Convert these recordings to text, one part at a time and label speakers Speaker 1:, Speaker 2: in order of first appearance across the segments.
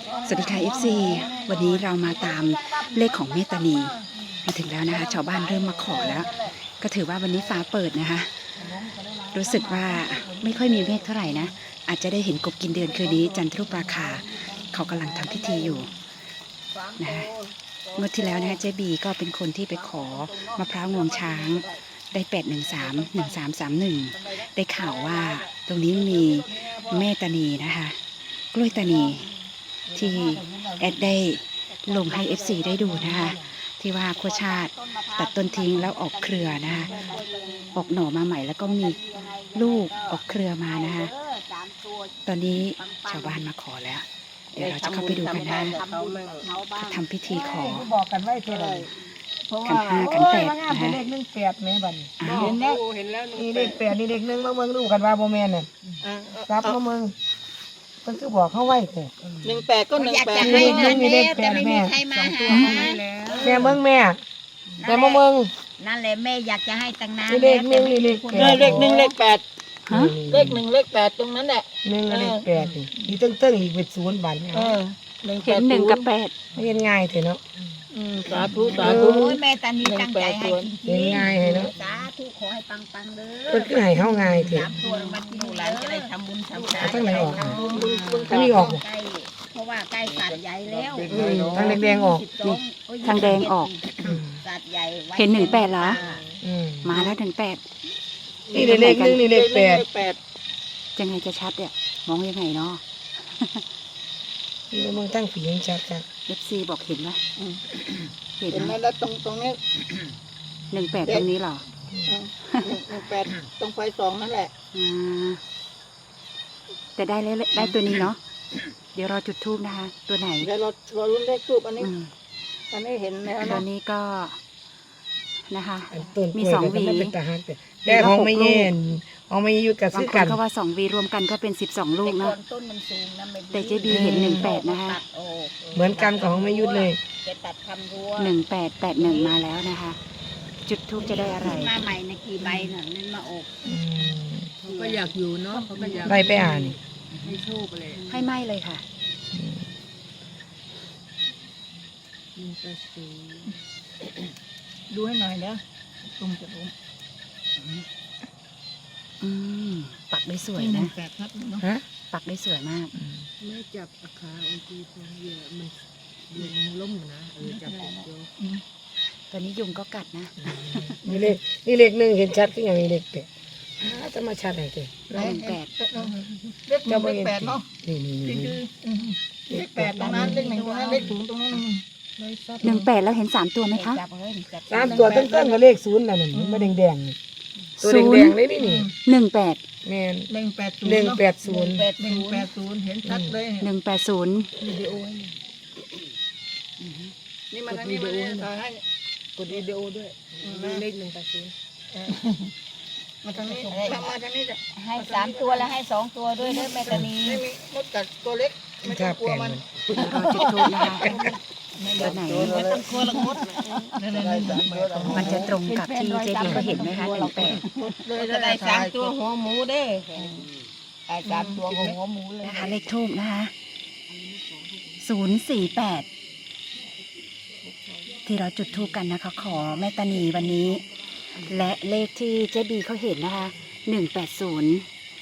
Speaker 1: สวัสดีค่ะ FC วันนี้เรามาตามเลขของเมตานีมาถึงแล้วนะคะชาวบ้านเริ่มมาขอแล้ว ก็ถือว่าวันนี้ฟ้าเปิดนะคะรู้สึกว่าไม่ค่อยมีเมฆเท่าไหร่นะอาจจะได้เห็นกบกินเดือนคืนนี้จันทรุปราคาเขากำลังทำพิธีอยู่นะคะเมื่อที่แล้วนะคะเจ๊บีก็เป็นคนที่ไปขอมะพร้าวงวงช้างได้8131331ได้ข่าวว่าตรงนี้มีแม่ตานีนะคะกล้วยตานีที่แอดได้ลงให้ FC ได้ดูนะคะที่ว่าโคชาติตัดต้นทิ้งแล้วออกเครือนะคะออกหน่อมาใหม่แล้วก็มีลูกออกเครือมานะคะตอนนี้ชาวบ้านมาขอแล้วเดี๋ยวเราจะเข้าไปดูกันนะทำพิธีขอ
Speaker 2: บอกกันไว้เท่าไหร่เพราะว่า
Speaker 1: ขันแปด
Speaker 2: ว่างามเป็นเลข18แม่บัดนี้
Speaker 1: อ้าว
Speaker 2: เห็นแล้วนี่เลข8นี่เลข1มาเบิ่งดูกันว่าบ่แม่นน่ะครับมาเบิ่งเพิ่นคือบอกเฮาไว้แท้
Speaker 3: 18ก็
Speaker 4: อยาก
Speaker 3: 18
Speaker 4: จะให้
Speaker 2: เลข
Speaker 4: นะ
Speaker 2: เล
Speaker 4: แม่
Speaker 2: ข
Speaker 4: แต่ไม่มีใครมาหา
Speaker 2: แม่เบิ่งแม่แต่มาเบิ่ง
Speaker 4: นั่นแหละแม่อยากจะให้ตั้งนาน
Speaker 2: นี่เลขหนึ่งนี่เลขแปด
Speaker 3: เลข1เลข8
Speaker 1: ฮะ
Speaker 3: เลข1เลข8ตรงนั้นแหละ
Speaker 2: 1กับเลข8นี่ตึ้งๆอีกเป็น0บัดนี้
Speaker 1: เห็น1 กับ
Speaker 2: เฮ็ดง่ายแท้เนาะ
Speaker 3: สาธุสา
Speaker 4: โอ
Speaker 3: ธุ
Speaker 4: ้ยแม่ตานีตั้งใจให้จริง
Speaker 2: เห็นง่ายให้เนาะ
Speaker 4: สาธุขอให้ปังๆเด้
Speaker 2: เพิ่นคือให้เฮาง่ายแท้
Speaker 4: สามตัวมาที่หนูหลานจะได้ทำบุญทำทาน
Speaker 2: ทั้งไหนออก
Speaker 4: ทำบุญบุญ
Speaker 2: ทั้งนี้ออกบ่
Speaker 4: ใกล้เพราะว่าใกล้สัตว์ใหญ่แล้ว
Speaker 2: ทั้งแดงๆออก
Speaker 1: ทางแดงออก
Speaker 4: สัตว์ใหญ่ไว้
Speaker 1: เห็น18เหรอ
Speaker 2: อืม
Speaker 1: มาแล้ว18
Speaker 2: นี่เลข1นี่เลข
Speaker 3: เลข
Speaker 2: 8
Speaker 1: จะไงจะชัดเนี่ยมองยังไงเนาะ
Speaker 2: นี่เบิ่งตั้งผียังชัด
Speaker 1: FC บอกเห็นไหมเห็น
Speaker 3: เห็น
Speaker 1: ไห
Speaker 3: ไห
Speaker 1: ม
Speaker 3: มแล้วตรงนี้
Speaker 1: 18ตรงนี้เหรอ
Speaker 3: 18ตรงไฟ2นั่นแหละ
Speaker 1: อ่าแต่ได้เลยได้ตัวนี้เนาะเดี๋ยวรอจุดทูบนะคะ ตัวไหน
Speaker 3: เดี๋ยวเราลุ้นเลขทูบอันนี้
Speaker 1: อืม
Speaker 3: อันนี้เห็นแล้ว
Speaker 1: ตัว
Speaker 3: เนาะ
Speaker 1: นี้ก็นะคะ
Speaker 2: อันต้นก
Speaker 1: มี
Speaker 2: ล้วย
Speaker 1: สอง
Speaker 2: ก็
Speaker 1: หวี
Speaker 2: มันเป็นตาฮักแต่ของไม่เย็นของไม่อยู่กับบ
Speaker 1: าง
Speaker 2: ซื้อ
Speaker 1: ค
Speaker 2: กัน น
Speaker 1: เขาว่า2 วีรวมกันก็เป็น12 ลูก
Speaker 4: แต่
Speaker 1: เนาะ
Speaker 4: ก่อนต้นมันสูงนะไม่ดี
Speaker 1: แต่เจ๊บีเห็น18นะคะ
Speaker 4: ตัดออก
Speaker 2: เหมือนกันกับของไม่ยุดเลย
Speaker 4: จะตัดทำรั้ว
Speaker 1: 1881มาแล้วนะคะ จุดทูบจะได้อะไร
Speaker 4: มาใหม่ในกี่ใบน่ะนั่นมาออก
Speaker 5: เขาก็อยากอยู่เนาะเขาก็อยาก
Speaker 2: ไปไปอ่าน
Speaker 5: ให้โชคเลย
Speaker 1: ให้ไหมเลยค่ะ
Speaker 3: ดูให้หน่อยเด้อตุ่มจะตุ่ม
Speaker 1: อืมปักได้สวยนะ
Speaker 3: 8ครับเนาะ
Speaker 2: ฮะ
Speaker 1: ปักได้สวยมาก
Speaker 5: แม่จับอาคาองค์จีพงเยอะมันเดือนมันล่มนะจับเดียว
Speaker 1: ตอนนี้ยุงก็กัดนะ
Speaker 2: นี่เลขหนึ่งเห็นชัดก็อย่างนี้เลขแปดจะมาชัดไหนเจ้
Speaker 1: 18
Speaker 3: เลข1เลข8เนาะ
Speaker 2: นี่
Speaker 3: เลข8ตรงนั้นเลข1ตรงนั้นเลข0ตรงนั้น
Speaker 1: 18แล้วเห็น3 ตัวไหมคะ
Speaker 4: จับเลยจับ
Speaker 2: สามตัวต้นๆกับเลขศูนย์นั่นน่ะมันแดงๆนี่ตัวแดงๆเลยนี่
Speaker 1: 18
Speaker 2: แม่น
Speaker 3: 180
Speaker 2: 180
Speaker 3: 180เห็นชัดเลย
Speaker 1: 180
Speaker 5: วิดีโอให้
Speaker 3: นี่มาทางนี้มาเนี่ยถ่ายให้
Speaker 5: กดวิดีโอด้วยเลข180
Speaker 3: มาทางนี้มาทางนี้จ้ะ
Speaker 4: ให้3 ตัวแล้วให้2 ตัวด้วยเด้อแม่ตานี
Speaker 3: ไม่มีมดกัดตัวเล็กไม่ต้องกลัวมัน
Speaker 1: รอจุดทูบนะคะตัวไหน
Speaker 3: ไม่ต้องกลัวละมด
Speaker 1: มันจะตรงกับที่เจดีก็เห็นไหมคะ18
Speaker 3: เลย
Speaker 4: จะ
Speaker 3: ได้
Speaker 4: ได้
Speaker 3: ถ่าย
Speaker 4: 3 ตัวหัวหมูเด้อได้3 ตัวหัวหมูเลย
Speaker 1: นะคะเลขทูบนะคะ048ที่เราจุดทูบกันนะคะ ขอแม่ตานีวันนี้ และเลขที่เจบีเขาเห็นนะคะ180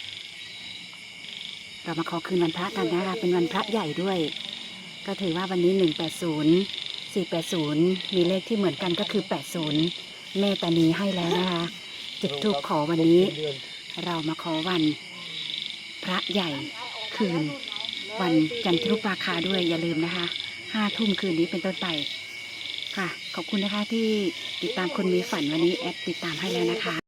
Speaker 1: เรามาขอคืนวันพระกันนะคะเป็นวันพระใหญ่ด้วย ก็ถือว่าวันนี้180 480มีเลขที่เหมือนกันก็คือ80แม่ตานีให้แล้วนะคะจุดทูบขอวันนี้ เรามาขอวันพระใหญ่คืนวันจันทรุปราคาด้วยอย่าลืมนะคะ5 ทุ่มคืนนี้เป็นต้นไปค่ะ ขอบคุณนะคะที่ติดตามคนมีฝันวันนี้แอดติดตามให้แล้วนะคะ